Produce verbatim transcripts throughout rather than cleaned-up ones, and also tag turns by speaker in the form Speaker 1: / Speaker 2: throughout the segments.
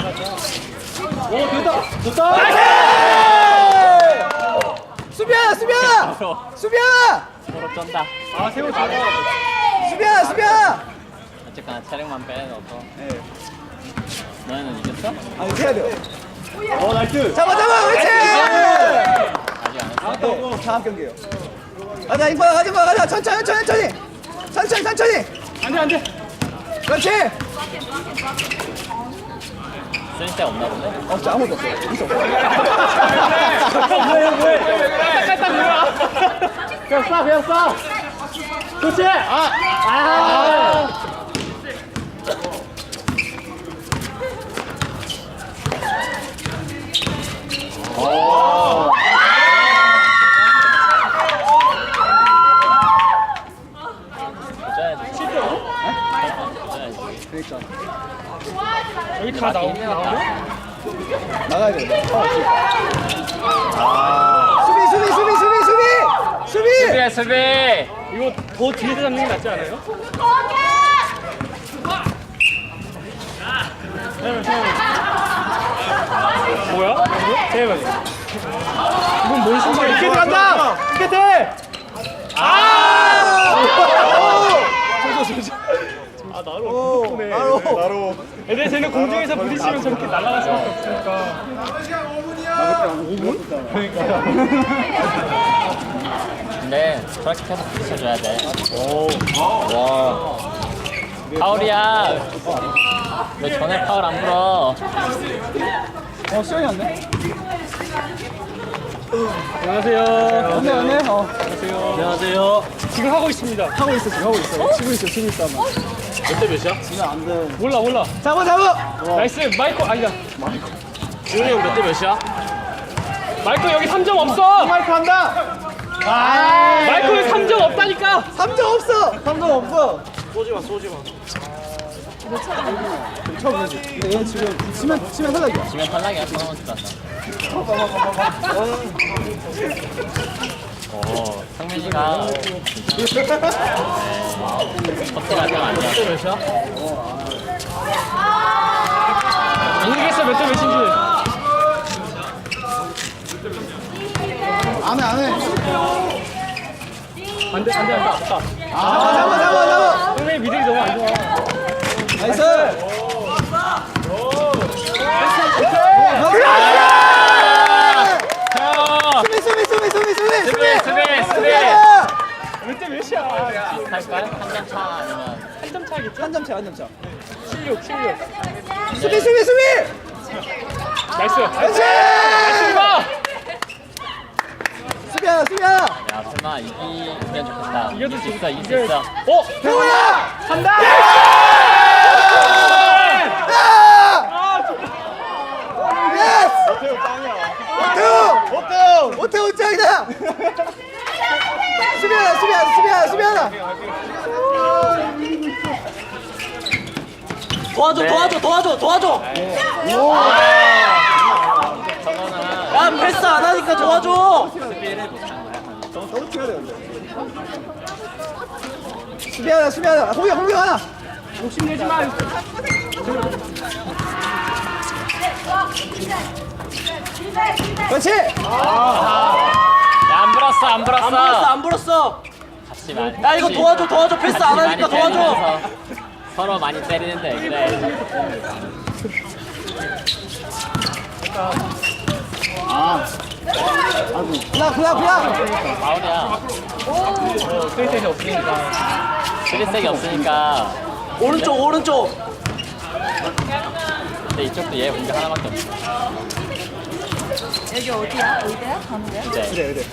Speaker 1: 오, 됐다! 됐다!
Speaker 2: 수비야, 수비야! 수비야!
Speaker 3: 서로 쩐다.
Speaker 1: 아, 세월 잘해.
Speaker 2: 수비야, 수비야!
Speaker 3: 어쨌거나 체력만 빼놓고.
Speaker 1: 네.
Speaker 3: 너희는 이겼어?
Speaker 2: 아니, 해야 돼요.
Speaker 1: 어, 나이스!
Speaker 2: 잡아, 잡아, 그렇지!
Speaker 3: 아직 안 했어?
Speaker 2: 네, 다음 경기에요. 가자, 인파, 가자, 가자, 천천히, 천천히, 천천히! 천천히, 천천히!
Speaker 1: 안 돼, 안 돼!
Speaker 2: 그렇지!
Speaker 3: 쓸데 없나 본데?
Speaker 2: 어, 진짜 아무것도 없어요. 있어.
Speaker 1: 뭐해, 뭐해! 깔딱 뭐야! 그냥 쏴, 그냥 쏴! 그렇지! 아! 아! 오!
Speaker 3: 도전해야지.
Speaker 1: 실제로?
Speaker 3: 도전해야지.
Speaker 2: 그러니까.
Speaker 1: 여기 다 나오, 나오냐?
Speaker 2: 나가야 돼. 어, 아. 수비, 수비, 수비, 수비, 수비! 수비!
Speaker 3: 수비해, 수비!
Speaker 1: 이거 더 뒤에서 잡는 게 낫지 않아요? 세ven, 세ven. 뭐야? 세ven. 이건 뭔 신발이야? 이렇게 들어간다! 이렇게 돼! 아! 아, 나로. 덕분에.
Speaker 2: 나로.
Speaker 1: 나로. 근데 쟤는 공중에서 부딪히면 저렇게 날아갈 수밖에 없으니까. 오 분? 그러니까.
Speaker 3: 근데 저렇게 계속 부딪혀줘야 돼. 오. 와. 파울이야. 왜 전에 파울 안 불어?
Speaker 2: 어, 시간이 안 돼?
Speaker 1: 안녕하세요.
Speaker 2: 안돼, 안돼. 어.
Speaker 1: 안녕하세요.
Speaker 3: 안녕하세요.
Speaker 1: 지금 하고 있습니다.
Speaker 2: 하고 있어, 지금 하고 있어. 치고 있어, 치고 있어. 아마.
Speaker 3: 몇 대 몇이야?
Speaker 2: 지금 안 돼.
Speaker 1: 몰라, 몰라.
Speaker 2: 잡아, 잡아!
Speaker 1: 나이스. 마이코, 아니다.
Speaker 3: 지훈이 형 몇 대 몇이야?
Speaker 1: 마이코 여기 삼 점 없어.
Speaker 2: 마이크 한다!
Speaker 1: 마이코 여기 삼 점 없다니까.
Speaker 2: 삼 점 없어! 삼 점 없어!
Speaker 1: 쏘지 마, 쏘지 마.
Speaker 2: 쳐보지. 근데 얘 지금 치면, 치면 탈락이야.
Speaker 3: 지면 탈락이야. 서너 번 땄다. 오, 상민이가 겉대가 좀 아니야. 몇 대 몇이야?
Speaker 1: 모르겠어 몇 대 몇인지.
Speaker 2: 안 해, 안 해.
Speaker 1: 안돼 안돼 안돼 없다.
Speaker 2: 잡아, 잡아, 잡아, 잡아!
Speaker 1: 형의 미들이 너무 안 좋아.
Speaker 2: 나이스! 수비, 수비, 수비, 수비, 수비!
Speaker 3: 수비, 수비, 수비!
Speaker 1: 몇 대 몇이야?
Speaker 3: 비슷할까요? 한 점 차 아니면
Speaker 1: 한 점 차겠지?
Speaker 2: 한 점 차, 한 점 차.
Speaker 1: 칠육 칠육.
Speaker 2: 수비, 수비, 수비!
Speaker 1: 나이스.
Speaker 2: 그렇지!
Speaker 1: 나이스 봐.
Speaker 2: 수비야, 수비야!
Speaker 3: 야, 설마 이기면 좋겠다.
Speaker 1: 이겨도
Speaker 3: 이길 수 있어, 이길 수
Speaker 1: 이겨.
Speaker 3: 있어.
Speaker 1: 어?
Speaker 2: 태훈아!
Speaker 1: 간다.
Speaker 2: 예스! 오태우! 오태우! 오태우 짱이다! 수비하나, 수비하나, 수비하나, 수비하나!
Speaker 4: 도와줘 도와줘 도와줘 도와줘
Speaker 3: 저거는
Speaker 4: 야 패스 안 하니까 도와줘
Speaker 3: 수비를 못한 거야.
Speaker 2: 너무 튀어야 되는데. 수비하나, 수비하나. 공격, 공격 하나!
Speaker 1: 욕심내지 마.
Speaker 2: 그렇지!
Speaker 3: 야, 안 불었어, 안 불었어.
Speaker 4: 안 불었어 안 불었어
Speaker 3: 같이 많이.
Speaker 4: 야 이거 도와줘 도와줘 패스 안 하니까 도와줘
Speaker 3: 서로 많이 때리는데 그래.
Speaker 2: 그냥, 그냥, 그냥!
Speaker 3: 파울이야.
Speaker 1: 스테이션이 없으니까.
Speaker 3: 쓰리색이 없으니까.
Speaker 4: 오른쪽 오른쪽
Speaker 3: 근데 이쪽도 얘 공격 하나밖에 없어.
Speaker 5: 여기 어디야? 어디야? 가는 데야?
Speaker 3: 이제
Speaker 2: 그래, 그래.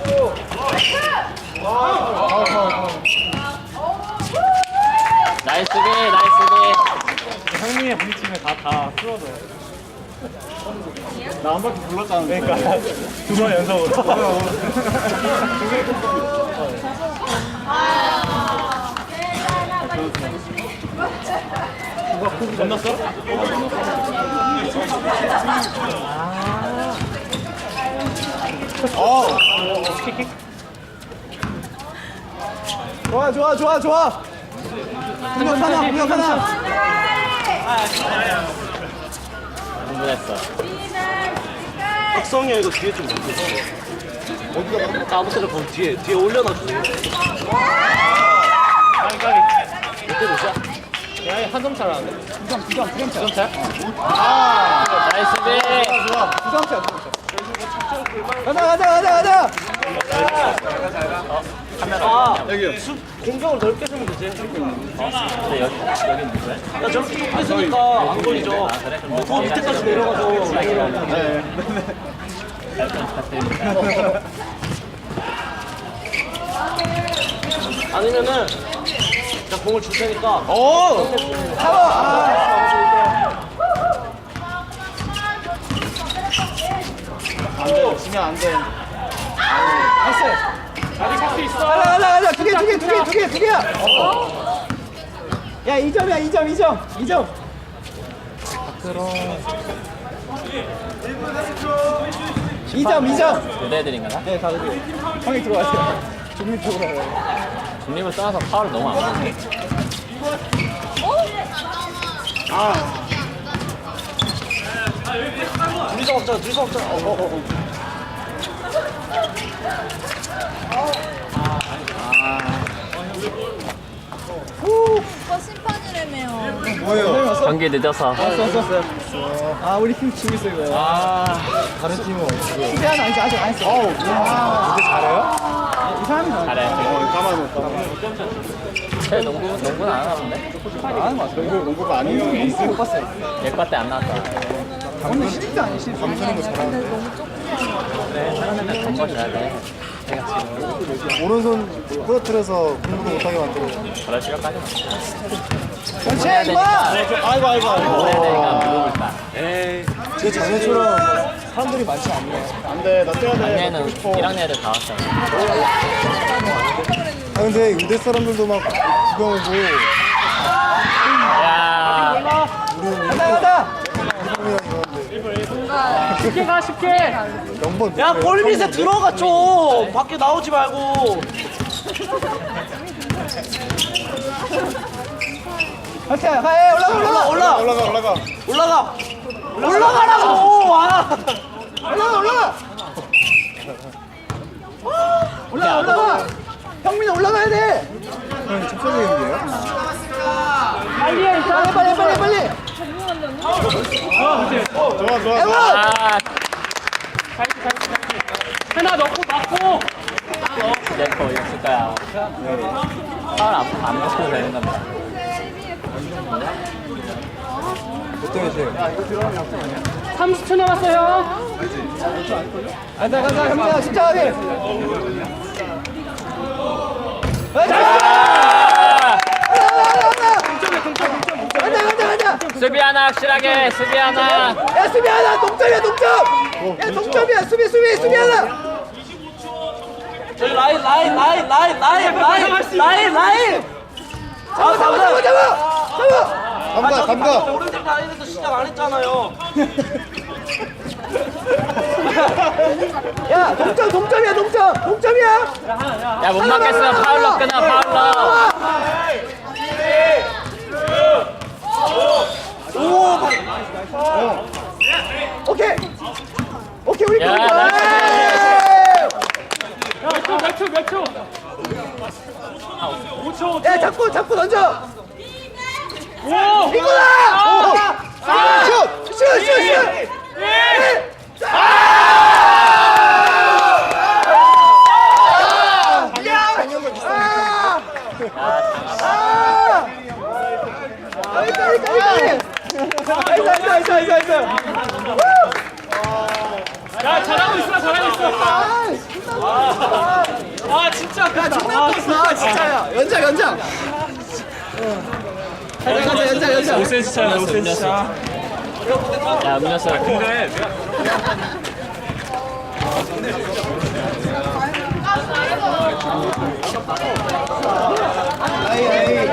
Speaker 3: 나이스 수비, 나이스 수비.
Speaker 1: 형님의 부딪히면 다 다 풀어져. 나 한 바퀴 불렀잖아. 그러니까 두 번 연속으로. 건넜어?
Speaker 2: 어.
Speaker 1: 킥킥.
Speaker 2: 좋아, 좋아, 좋아, 좋아! 공격 하나, 공격 하나!
Speaker 3: 잘했어.
Speaker 4: 박성이 형 이거 뒤에 좀 넣어줘. 어디가 아무 때나 거기 뒤에 뒤에 올려놔줘.
Speaker 1: 까비 까비.
Speaker 4: 이때 몇이야?
Speaker 1: 야, 한 점 차로 하는데? 두 점, 두 점, 두 점 차. 두 점 차?
Speaker 3: 나이스 비.
Speaker 2: 좋아. 부상차. 가자 가자 가자 가자.
Speaker 4: 아 여기 수 공격을 넓게 쓰면 되지.
Speaker 3: 근데 여기 여기 누구야?
Speaker 4: 야 저렇게 좁게 쓰니까 안 걸리죠.
Speaker 3: 아 그래? 그럼
Speaker 4: 더 밑에까지 내려가서.
Speaker 3: 잘 부탁드립니다.
Speaker 4: 아니면은 자 공을 줄 테니까.
Speaker 2: 오. 잡아.
Speaker 1: 안돼, 지면 안 돼.
Speaker 2: 나이스.
Speaker 1: 아직 할수 있어.
Speaker 2: 가자 가자 가자. 두 개 두 개 두 개 두 개 두 개야. 야, 이 점이야. 이 점 이 점 이 점. 이 점 이 점.
Speaker 3: 교대들인가나?
Speaker 2: 네, 다 그래. 형이 들어가세요. 종민 쪽으로 가요.
Speaker 3: 중립을 떠나서 파울을 너무 안 하네.
Speaker 4: 둘이서 먹자. 둘이서 먹자. 어, 어, 어.
Speaker 5: 오빠 심판이라며.
Speaker 2: 뭐예요?
Speaker 3: 경기 늦어서.
Speaker 2: 썼었어요. 아, 우리 팀 지고 있어요, 이거. 아, 다른 팀은 어떻게? 수비하는 아직 아직 안 했어. 어우, 와. 근데 잘해요? 이 사람이 잘해.
Speaker 3: 잘해.
Speaker 2: 어, 까만 거, 까만
Speaker 3: 쟤 농구 농구는 안 하는데?
Speaker 2: 거. 안 하는 거 같아. 농구, 농구가 아니에요. 농구 못 봤어요.
Speaker 3: 예과 때 안 나왔다.
Speaker 2: 근데 실제 아니에요, 실제. 감수는 거 잘하는
Speaker 5: 근데 너무 조금.
Speaker 3: 그래 사람 맨날 던져줘야 돼. 내가 지금
Speaker 2: 오른손 부러뜨려서 공부도 못하게 만들어.
Speaker 3: 그럴 시간까지.
Speaker 2: 전체 이마!
Speaker 1: 아이고, 아이고, 아이고.
Speaker 3: 내가 물어볼 거야.
Speaker 2: 제 자매처럼 사람들이 많지 않네.
Speaker 1: 안 돼, 나 뛰어야 돼.
Speaker 3: 작년에는 일 학년 애들 다 왔잖아.
Speaker 2: 아, 근데 의대 사람들도 막 구경 오고.
Speaker 3: 야.
Speaker 2: 가자, 가자!
Speaker 5: 뭔가
Speaker 1: 쉽게 가, 쉽게.
Speaker 2: 영번.
Speaker 4: 야, 골 밑에 들어가 좀. 밖에 나오지 말고.
Speaker 2: 오케이, 가해, 올라가, 올라가!
Speaker 4: 올라, 올라,
Speaker 1: 올라가, 올라가.
Speaker 4: 올라가. 올라가라고. 와.
Speaker 2: 올라가, 올라가! 올라가, 올라가! 형민아, 올라가야 돼! 형, 첩사적인데요?
Speaker 1: 빨리 해, 일단.
Speaker 2: 빨리, 빨리, 빨리, 빨리!
Speaker 1: 좋아, 좋아.
Speaker 2: 에원!
Speaker 3: 아.
Speaker 1: 하나 넣고, 맞고.
Speaker 3: 내거 있을 거야. 파울 안, 안 먹어도 되는 겁니다.
Speaker 2: 어떻게 하세요?
Speaker 1: 삼십 초 남았어요.
Speaker 2: 가자, 가자, 형민아, 십자가비! 가자,
Speaker 3: 아!
Speaker 2: 가자, 가자!
Speaker 3: 수비 하나 확실하게 수비 하나.
Speaker 2: 야, 수비 하나! 동점이야, 동점! 야, 동점이야, 수비, 수비, 수비 하나!
Speaker 4: 저기 라인, 라인, 라인, 라인, 라인, 라인, 라인, 라인.
Speaker 2: 잡아, 잡아, 잡아, 잡아! 잡아!
Speaker 4: 감가, 감가. 오른쪽 라인에서 시작 안 했잖아요.
Speaker 2: 야, 동점, 동점이야, 동점! 동점이야!
Speaker 3: 야 못 맞겠어. 파울로 끊어 파울로.
Speaker 4: 오,
Speaker 2: 오케이! 오케이, 우리
Speaker 3: 야,
Speaker 2: 거!
Speaker 1: 몇 초, 몇 초, 몇 초. 오 초, 오 초.
Speaker 2: 야, 잡고, 잡고 던져!
Speaker 1: 오!
Speaker 2: 이거다! 슛! 슛! 슛! 슛!
Speaker 1: 야, 잘하고 있어, 잘하고 있어. 아, 진짜. 야,
Speaker 2: 존나 컸어, 진짜야. 연장, 연장. 가자, 가자, 연장, 연장.
Speaker 1: 오 센치 차야, 오 센치 차.
Speaker 3: 야 음료수.
Speaker 1: 근데
Speaker 2: 아이, 아이.